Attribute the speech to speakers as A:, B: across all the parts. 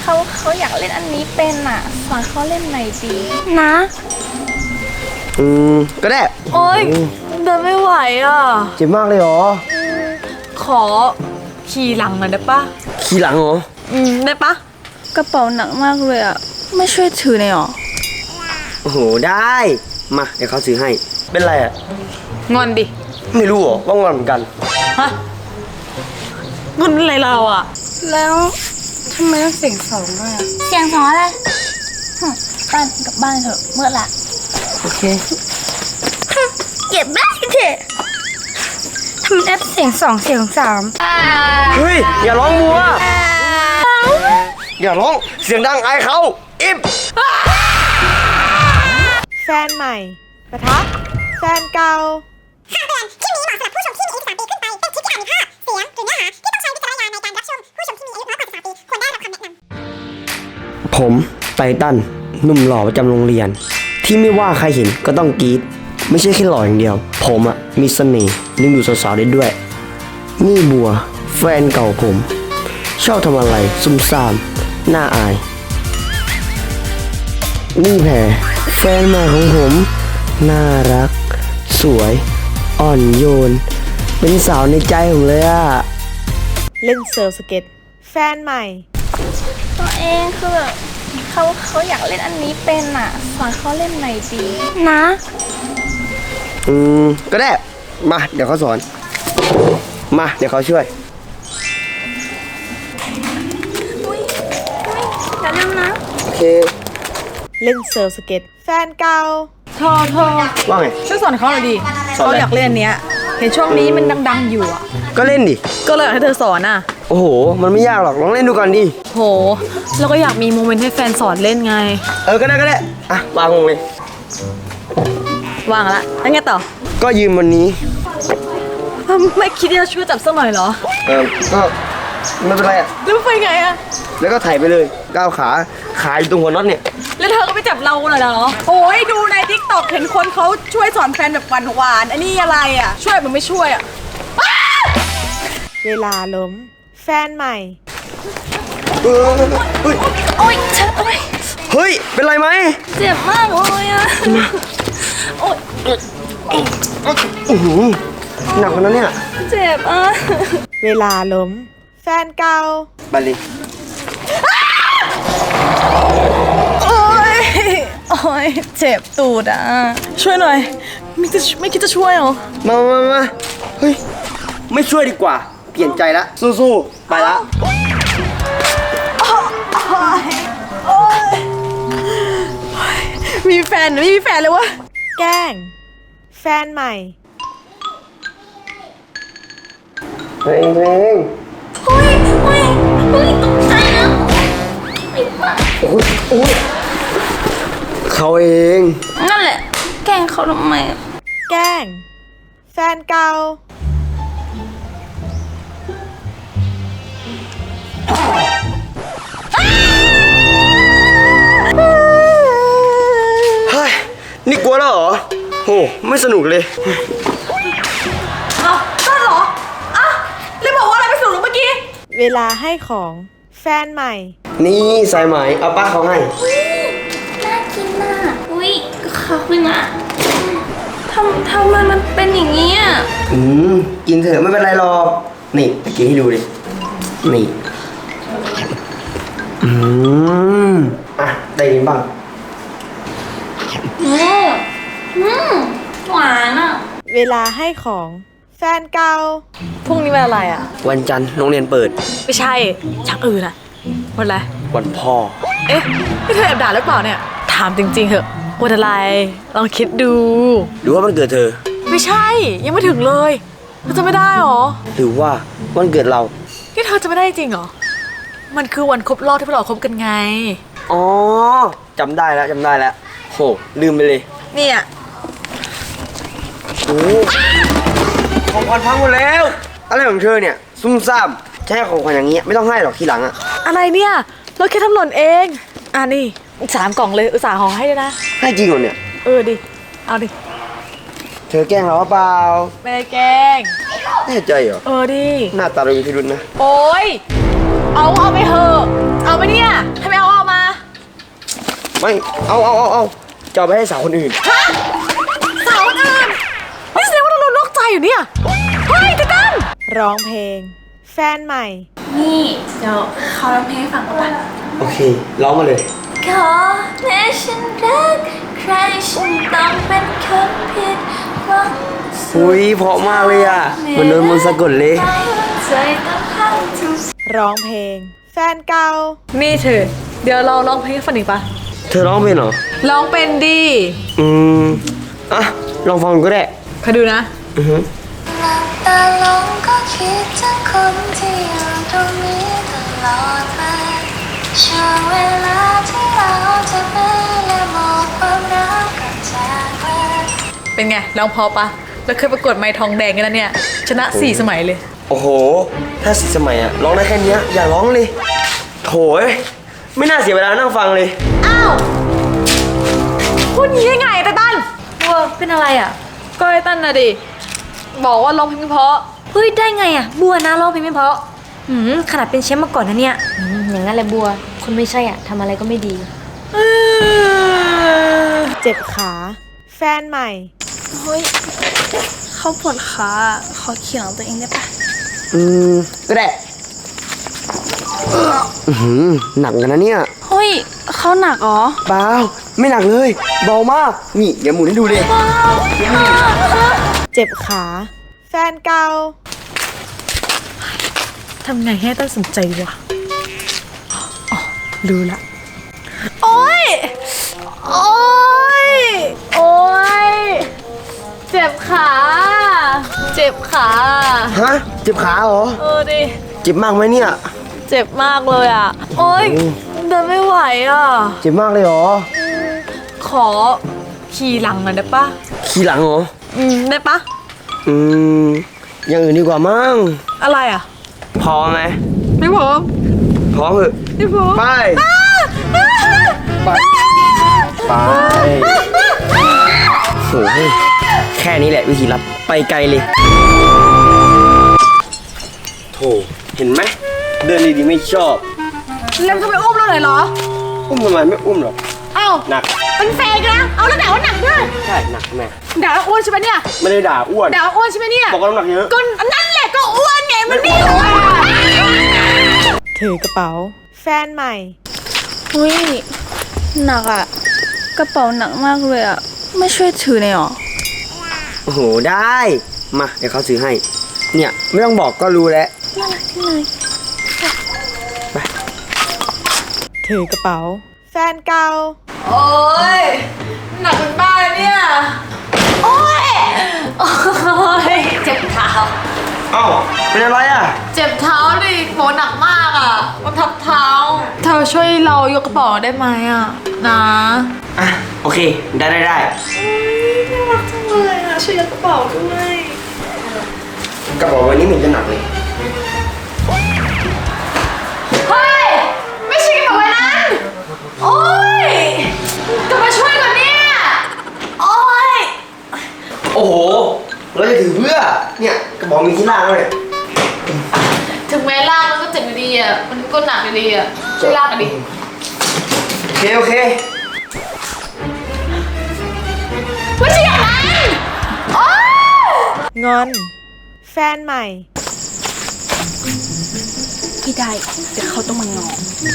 A: เขาอยากเล่นอันนี้เป็นอ่ะสอนเขาเล่นหน่อยดีนะ
B: ก็ได้
C: โอ๊ยเดินไม่ไหวอ่ะ
B: เจ็บมากเลยเหรอ
C: ขอขี่หลังหน่อยได้ปะ
B: ขี่หลังเหรอ
C: ได้ปะ
A: กระเป๋าหนักมากเลยอ่ะไม่ช่วยถือหน่อยหรอ
B: โอ้โหได้มาเดี๋ยวเขาซื้อให้เป็นไรอ่ะ
C: งอนดิ
B: ไม่รู้เหรอว่างอนเหมือนกัน
C: ฮะงอนอะไรเราอ่ะ
A: แล้วทำไมต้องเสียงสองด้วยเสียงสองอะไรบ้านกับบ้านเถอะเมื่อละ
B: โอเค
A: เก็บได้เถอะทำไมได้เสียงสองเสียงสาม
B: เฮ้ยอย่าร้องมัวอย่าร้องเสียงดังอายเขาอิบ
D: แฟนใหม่ปะทะแฟนเก่า
E: คำเตือนคลิปนี้เหมาะสำหรับผู้ชมที่มีอายุ13ปีขึ้นไปเป็นคลิปที่อาจมีภาพเสียงหรือเนื้อหาที่ต้องใช้วิจารณญาณในการรับชมผู้ชมที่มีอายุน้อยกว่า13ปีควรได้รับคำแนะน
B: ำผมไททันหนุ่มหล่อประจำโรงเรียนที่ไม่ว่าใครเห็นก็ต้องกรี๊ดไม่ใช่แค่หล่ออย่างเดียวผมมีเสน่ห์ดึงดูดสาวๆได้ด้วยนี่บัวแฟนเก่าผมชอบทำอะไรซุ่มซ่ามน่าอายนี่แพรแฟนใหม่ของผมน่ารักสวยอ่อนโยนเป็นสาวในใจผมเลยอะ
D: เล่นเซิร์ฟสเก็ตแฟนใหม่
A: ตัวเองคือแบบเขาอยากเล่นอันนี้เป็นอ่ะสอนเขาเล่นหน่อยดีนะ
B: ก็ได้มาเดี๋ยวเขาสอนมาเดี๋ยวเขาช่วย
A: อย่าลืมนะ
B: โอเค
D: เล่นเซิร์ฟสเก็ตแฟนเก่า
C: เธอ
B: ว่าไง
C: ช่วยสอนเขาหน่อยดิเขาอยากเล่นเนี้ยเห็นช่วงนี้มันดังๆอยู่อ่ะ
B: ก็เล่นดิ
C: ก็เลยอยากให้เธอสอนอ่ะ
B: โอ้โหมันไม่ยากหรอกลองเล่นดูก่อนดิ
C: โหแล้วก็อยากมีโมเมนต์ให้แฟนสอนเล่นไง
B: ก็ได้อ่ะวางลงเลยว
C: างละแล้วไงต่อ
B: ก็ยืมวันนี้
C: ไม่คิดจะช่วยจับสักหน่อยเหรอ
B: ก็ไม่เป็นไรอ่ะ
C: แล้วไปไงอ่ะ
B: แล้วก็ถ่ายไปเลยก้าวขาอยู่ตรงหัวน็อตเนี่ย
C: แล้วเธอก็ไปจับเราหน่อยเหรอโอ้ยดูใน TikTok เห็นคนเขาช่วยสอนแฟนแบบหวานอันนี้อะไรอ่ะช่วยมันไม่ช่วยอ่ะ
D: เวลาล้มแฟนใหม่
A: โอ๊ย
B: เฮ้ยเป็นไรไหม
A: เจ็บมากเลยอ่ะโอ๊ย
B: หนักกว่านั้นเนี่ย
A: เจ็บอ่ะ
D: เวลาล้มแฟนเก่า
B: บาลี
A: โอ๊ยเจ็บตูดอ่ะ
C: ช่วยหน่อยไม่คิดจะช่วยหรอ
B: มาเฮ้ยไม่ช่วยดีกว่าเปลี่ยนใจละสู้ๆไปละ
C: มีแฟนหรือไม่มีแฟนเลยวะ
D: แกล้งแฟนใหม่
B: เพลง
A: เฮ้ยตกใจนะ
B: โอ้ยเขาเอง
A: นั่นแหละแกล้งเขาทำไม
D: แกล้งแฟนเก่า
B: เฮ้ยนี่กลัวแล้วเหรอโหไม่สนุกเลย
C: เอาได้เหรออ่ะเลยบอกว่าอะไรไม่สนุกเมื่อกี้
D: เวลาให้ของแฟนใหม่
B: นี่สายไหมเอาป้าเขาให้
A: น่ากินน่ะอุ้ยขอบคุณนะทำไมมันเป็นอย่างนี้อ่ะ
B: กินเถอะไม่เป็นไรหรอกนี่ตะกี้ให้ดูดินี่ได้ยินบ้าง
A: หวานอ่ะ
D: เวลาให้ของแฟนเก่า
C: พรุ่งนี้วันอะไรอ่ะ
B: วันจันทร์โรงเรียนเปิด
C: ไม่ใช่ชักอื่นอ่ะวันอะไร
B: วันพ่อ
C: เอ๊ะพี่เธอแอบด่าหรือเปล่าเนี่ยถามจริงๆเถอะวันอะไรลองคิดดู
B: หรือว่ามันเกิดเธอ
C: ไม่ใช่ยังไม่ถึงเลยเธอจะไม่ได้หรอ
B: หรือว่าวันเกิดเรา
C: ที่เธอจะไม่ได้จริงเหรอมันคือวันครบรอบที่พวกเราคบกันไง
B: อ๋อจำได้แล้วโหลืมไปเลย
C: เนี่ย
B: โอ้ของขวัญพังหมดแล้วอะไรของเธอเนี่ยซุ่มซ่ามใช้ของขวัญอย่างเงี้ยไม่ต้องให้หรอกทีหลังอะ
C: อะไรเนี่ยเราแค่ทำหล่นเองนี่3 กล่องเลยอุตส่าห์ห่อให้ด้วยนะ
B: ให้จริงเหรอเนี่ย
C: ดิเอาดิ
B: เธอแกล้งเราเปล่า
C: ไม่ได้แกล้ง
B: แน่ใจเหรอ
C: ดิ
B: หน้าตาเรามีพิรุธนะ
C: โอ๊ยเอาไปเถอะเอาไปเนี่ยทำไมเอามา
B: ไม่เอาจะเอาไปให้สาวคนอื่น
C: ฮะสาวอื่นไม่แสดงว่าเราโดนนอกใจอยู่เนี่ยเฮ้ยไททัน
D: ร้องเพลง แฟนใหม่
A: นี่เดี๋ยวเขาร้องเพลงให้ฟังก่อน
B: โอเคร้องมาเลย
A: ขอแม้ฉันรักใครฉันต้องเป็นคนผิดหวัง
B: อุ้ยเพราะมากเลยอ่ะเหมือนโดนมนต์สะกดเลย
A: ใจต้องให้ทุก
D: ร้องเพลง แฟนเก่า
C: นี่เธอเดี๋ยวเราร้องเพลงให้ฟังอีกปะ
B: เธอร้องเป็นเหรอ
C: ร้องเป็นดี
B: อ่ะลองฟังก็ได้
C: คอยดูนะ
B: อือฮึ
A: หลับตาลงก็คิดถึงคนที่อยู่ตรงนี้ตลอดมาช่วงเวลาที่เราจะไปและบอกความรักกับจากไป
C: เป็นไงร้องเพอปะเราเคยประกวดไม้ทองแดงกันแล้วเนี่ยชนะ4 สมัยเลย
B: โอ้โห ถ้าสิสมัยอ่ะร้องได้แค่เนี้ยอย่าร้องเลยโถยไม่น่าเสียเวลานั่งฟังเลย
C: อ้าวพูดอย่างนี้ได้ไงไททัน
A: บัวเป็นอะไรอ่ะ
C: ก็ไททันนะดิบอกว่าร้องเพลงไม่เพราะ
A: เฮ้ยได้ไงอ่ะบัวนะร้องเพลงไม่เพราะขนาดเป็นแชมป์มาก่อนนะเนี่ยอย่างนั้นแหละบัวคนไม่ใช่อ่ะทำอะไรก็ไม่ดี
D: เจ็บขา แฟนใหม่
A: เฮ้ยเขาปวดขาขอเขียงตัวเองได้ปะ
B: ก็ได้หนักกันนะเนี่ย
A: เฮ้ยเขาหนักเหรอ
B: เปล่าไม่หนักเลยเบามากนี่เดี๋ยวหมุนให้ดูเลย
D: เจ็บขา แฟนเก่า
C: ทำไงให้ต้นสนใจดีวะอ๋อรู้ละ โอ๊ย โอ๊ย โอ๊ย เจ็บขา เจ็บขา
B: ฮะเจ็บขาเหรอ
C: ดิ
B: เจ็บมากไหมเนี่ย
C: เจ็บมากเลยอ่ะ โอ๊ย เดินไม่ไหวอ่ะ
B: เจ็บมากเลยเหรอ
C: ขอขี่หลังหน่อยได้ปะ
B: ขี่หลังเหรอ
C: ได้ปะ
B: อย่างอื่นดีกว่ามั้ง
C: อะไรอ่ะ
B: พอไหม
C: ไม่พร้อม
B: พร้อมเหอะ
C: ไม่พร้อม
B: ไปไปไปโอ้ยแค่นี้แหละวิธีรับไปไกลเลยโถเห็นไหมเดินดีๆไม่ชอบ
C: แล้วจะไปอุ้มเราเลยเหรอ
B: อุ้มทำไมไม่อุ้มหรอก
C: เอ้า
B: หนัก
C: เป็นแฟนกันนะ เอาแล้วด่าว่าหนักด้วย
B: ใช่หนักแม่
C: ด่าว่าอ้วนใช่ไหมเนี่ย
B: ไม่ได้ด่าอ้วน
C: ด่าว่าอ้วนใช่ไหมเนี่ย
B: บอกว่าน้ำหนักเยอะ
C: ก็นั่นแหละก็อ้วนไงมันไม่อ้วน
D: ถือกระเป๋า แฟนใหม่
A: อุ้ยหนักอ่ะกระเป๋าหนักมากเลยอ่ะไม่ช่วยถือเลยเหรอ
B: โอ้โหได้มาเดี๋ยวเขาซื้อให้ เนี่ยไม่ต้องบอกก็รู้แล้ว
A: น่ารักที่เลย
D: ถือกระเป๋า แฟนเก่า
C: โอ๊ยหนักเป็นบ้าเลยเนี่ย โอ๊ย โอ๊ย เจ็บเท้า
B: เอ้าเป็นอะไรอ่ะ
C: เจ็บเท้าดิโหหนักมากอ่ะ มันทับเท้า เธอช่วยเรายกกระเป๋าได้ไหมอ่ะ นะ
B: อ่ะโอเคได้
C: น่ารักจังเลยอ่ะ ช่วยยกกระเป๋าด้วย
B: กระเป๋าใบนี้เหมือนจะหนักเลย
C: เฮ้ย ไม่ใช่กระเป๋าใบนั้น โอ๊ยจะมาช่วยก่อนเนี่ย โอ๊ย
B: โอ้โหเราจะถือเพื่อเนี่ยกระเป๋ามีที่ล่างแล้วเนี่ย
C: ถึงแม้ลากมันก็เจ็บอยู่ดีอ่ะ มันก็หนักอยู่ดีอ่ะ ช่วยลากกันดิ
B: โอเค
C: ไม่ใช่อย่างนั้นโอ๊ย
D: งอน แฟนใหม่
A: ไม่ได้เดี๋ยวเขาต้องมางอ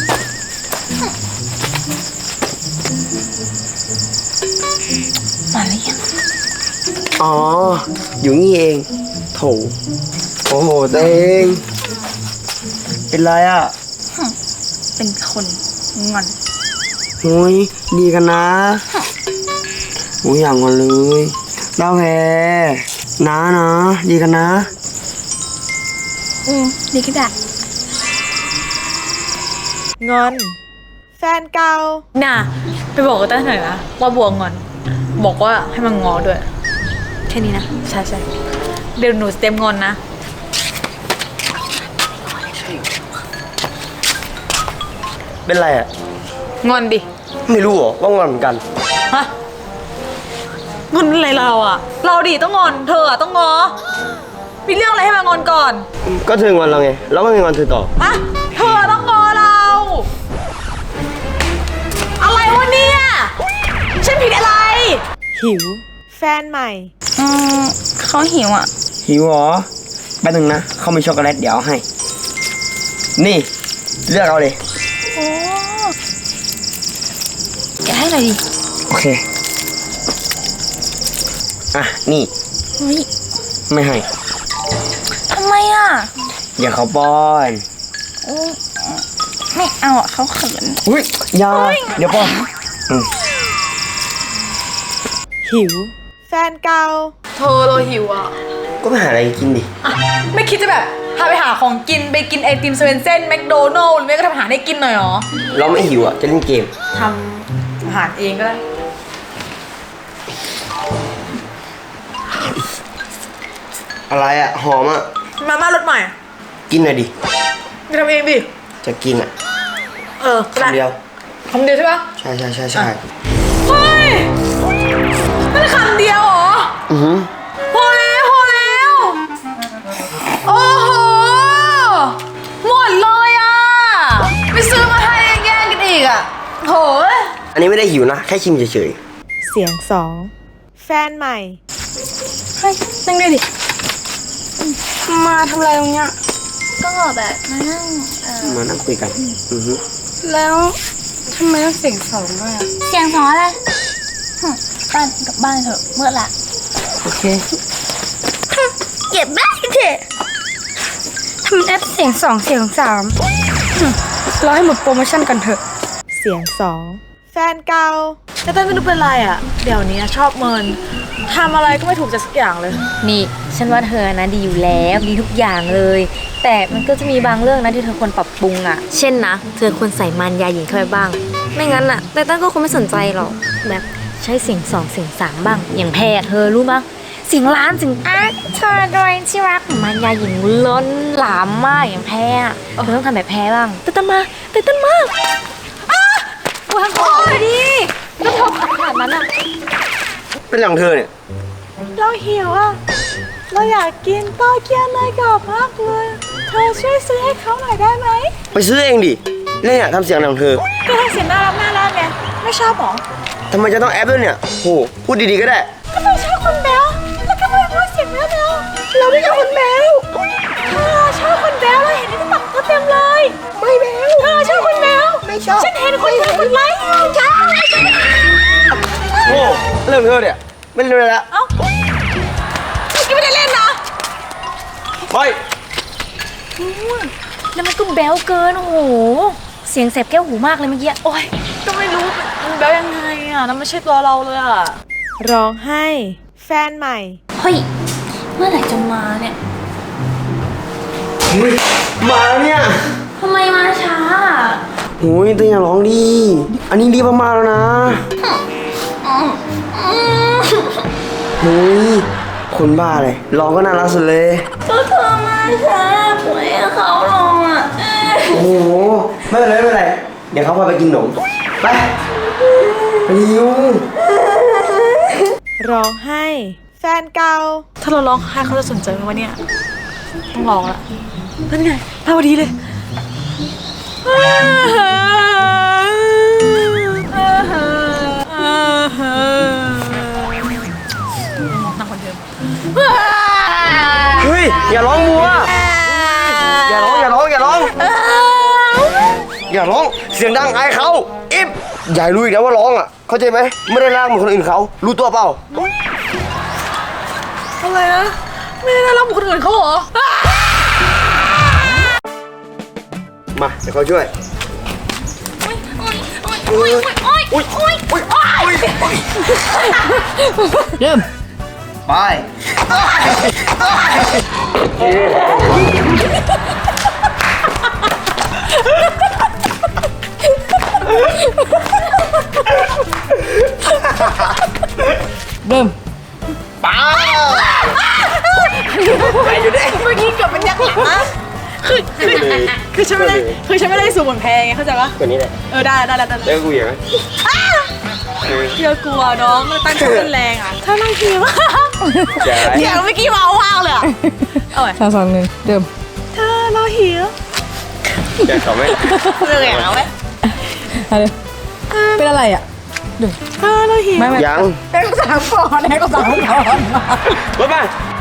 A: มาแล้วยัง
B: อ๋ออยู่นี่เองโถโอ้โหตัวเอง เป็นไรอ่ะ
A: เป็นคนงอน
B: หุยดีกันนะหุยอย่างกันเลยดาวแพรนะดีกันนะ
A: ดีก็ได้
D: งอน แฟนเก่า
C: น่ะ ไปบอกกับต้าหน่อยนะ ว่าบัวงอน บอกว่าให้มันงอด้วย
A: แค่นี้นะ
C: ใช่เดี๋ยวหนูเต็มงอนนะ
B: เป็นไรอ่ะ
C: งอนดิ
B: ไม่รู้เหรอว่างอนเหมือนกัน
C: ฮะ งอนอะไรเราอ่ะ เราดิต้องงอน เธออ่ะต้องงอ มีเรื่องอะไรให้มางอนก่อน
B: ก็เธองอนเราไงแล้วก็ไม่งอนเธอต่อ
C: อะเธออต้องงอเรา อะไรวะเนี่ย ฉันผิดอะไร
D: หิว แฟนใหม่
A: เขาหิวอ่ะ
B: หิวเหรอแป๊บนึงนะเขามีช็อกโกแลตเดี๋ยวเอาให้ นี่ เลือกเอาเลย
A: โอ้แกะให้หน่อยดิ
B: โอเค อ่ะ นี่
A: เฮ้ย
B: ไม่ให้
A: ทำไมอ่ะ
B: เดี๋ยวเขาป้อน
A: โอ้ไม่เอาอ่ะเขาเขิน
B: อุ้ยอยาเดี๋ยวป้อนอืม
D: หิว แฟนเก่า
C: เธอเราหิวอ่ะ
B: ก็ไปหาอะไรกินดิ
C: ไม่คิดจะแบบพาไปหาของกินไปกินไอติมเซเว่นเซ่นแมคโดนัลล์หรือไม่ก็ทำอาหารให้กินหน่อยหรอ
B: เราไม่หิวอ่ะ จะเล่นเกม
C: ทำอาหารเองก็ได้
B: อะไรอ่ะ หอมอ่ะ
C: มาม่ารสใหม่
B: กินหน่อยดิ
C: จะทำเองดิ
B: จะกินอ่ะ
C: ก็ได้
B: คำเดียว
C: คำเดียวใช่ปะ
B: ใช่ใช่ใช่ใช่
C: เฮ้ยนั่นคำเดียวเหรอ
B: อือหือ
C: พอแล้วพอแล้ว โอ้โห หมดเลยอ่ะ ไปซื้อมาให้แย่งกันอีกอ่ะโหย
B: อันนี้ไม่ได้หิวนะ แค่ชิมเฉย
D: เสียงสอง แฟนใหม่
A: เฮ้ยนั่งด้วยดิ มาทำอะไรตรงเนี้ย ก็แบบมานั่ง
B: ๆ มานั่งคุยกัน อือหือ
A: แล้วทำไมต้องเสียงสองด้วยอ่ะ เสียงสองอะไรบ้านกลับบ้านเถอะเมื่อละ
B: โอเค
A: เก็บบ้านเถอะทำแอปเสียงสองเสียงสามรอให้หมดโปรโมชั่นกันเถอะ
D: เสียงสอง แฟนเก่า
C: แต่เต้นไม่รู้เป็นไรอ่ะ เดี๋ยวนี้ชอบเมินทำอะไรก็ไม่ถูกใจสักอย่างเลย
F: นี่ฉันว่าเธอนะดีอยู่แล้วดีทุกอย่างเลย แต่มันก็จะมีบางเรื่องนะที่เธอควรปรับปรุงอ่ะ เช่นนะเธอควรใส่มารยาหญิงเข้าไปบ้าง ไม่งั้นอ่ะแต่ตั้นก็คงไม่สนใจหรอกแบบใช้เสียงสองเสียงสามบ้าง อย่างแพรเธอรู้มั้ยเสียงล้านเสียงเธอโดยที่รักมารยาหญิงล้นหลามมากอย่างแพรอะเธอต้องทำแบบแพรบ้างเต้นมาว้าวโอ้ยดิแล้วเธอขนาดนั้นอ่ะ
B: เป็นหลังเธอเนี่ย
D: เราหิวอ่ะ เราอยากกินโตเกียวเนยกรอบมากเลย เธอช่วยซื้อให้เขาหน่อยได้ไหม
B: ไปซื้อเองดิเล่นอ่ะทำเสียงหลังเธอ
D: ก็ทำเสียงน่ารักไง ไม่ชอบหรอ
B: ทำไมจะต้องแอปด้วยเนี่ยโหพูดดีๆก็ได้
D: ก็ไม่ชอบคนแบ๊วแล้วก็ไม่พูดเสียงแบ๊วๆเราไม่ชอบคนแบ๊วเธอชอบคนแบ๊วเราเห็นในติ๊กต็อกเต็มเลย ไม่แบ๊วเธอชอบคนแบ๊วไม่ชอบ ฉันเห็นคนแบ๊วคนไลค์ใช่
B: โอ้เรื่องเธอเนี่ยไม่เล่นเลยละ
C: เอ้าเมื่อกี้ไม่ได้เล่นนะ
B: ไป
F: แล้วมันก็แบ๊วเกินโอ้โหเสียงแสบแก้วหูมากเลยเมื่อกี้
C: โอ๊ยก็ไม่รู้มันแบบยังไงอ่ะนั่นไม่ใช่ตัวเราเลยอ่ะ
D: ร้องไห้ แฟนใหม่
A: เฮ้ย เมื่อไหร่จะมาเนี่ย
B: เฮ้ยมาแล้วเนี่ย
A: ทำไมมาช้า
B: โหยตัวอย่าร้องดิอันนี้รีบมากๆแล้วนะเฮ้ยคนบ้าเลยร้องก็น่ารักสุดเลย
A: ก็เธอมาช้าปล่อยให้เขาลงอ่ะ
B: โอ้โหไม่เป็นไรไม่เป็นไรเดี๋ยวเขาพาไปกินขนมไปหิว
D: ร้องไห้ แฟนเก่า
C: ถ้าเราร้องไห้เขาจะสนใจไหมวะเนี่ย ต้องร้องละนั่นไงมาพอดีเลย นั่งคนเดิม
B: เฮ้ยอย่าร้องมัวอย่าร้องอย่าร้องอย่าร้องอย่าร้องเสียงดังอายเขาอิฟอย่าให้รู้อีกนะว่าร้องอ่ะเข้าใจไหมไม่ได้ร่างเหมือนคนอื่นเขารู้ตัวเปล่า
C: อะไรนะ ไม่ได้รับคนอื่นเขาเหรอ
B: มาเดี๋ยวเขาช่วยเริ่มไปเริ่มไปอยู่ดิ
C: เมื่อกี้เกือบเป็นยักษ์หลังนะคือฉันไม่ได้สูงเหมือนแพงไงเข้าใจปะ
B: ตัวนี้แหละ
C: ได้
B: แล้วกูอย่างนั้น
C: เกียกลัวน้องตั้งใจเต้นแรงอ่ะถ้านั่งคิว
B: อย่า
C: เสียงเมื่อกี้เมาว่างเลยอ่ะเอาไว้
D: 3 2 1 เดิม
C: เธอเราหิว
B: อยากขอไหม
C: เป็นอะไรอ่ะเราหิว
B: ยัง
C: แม่ก็สามก่อนแม่ก็สามก่อน
B: รถมา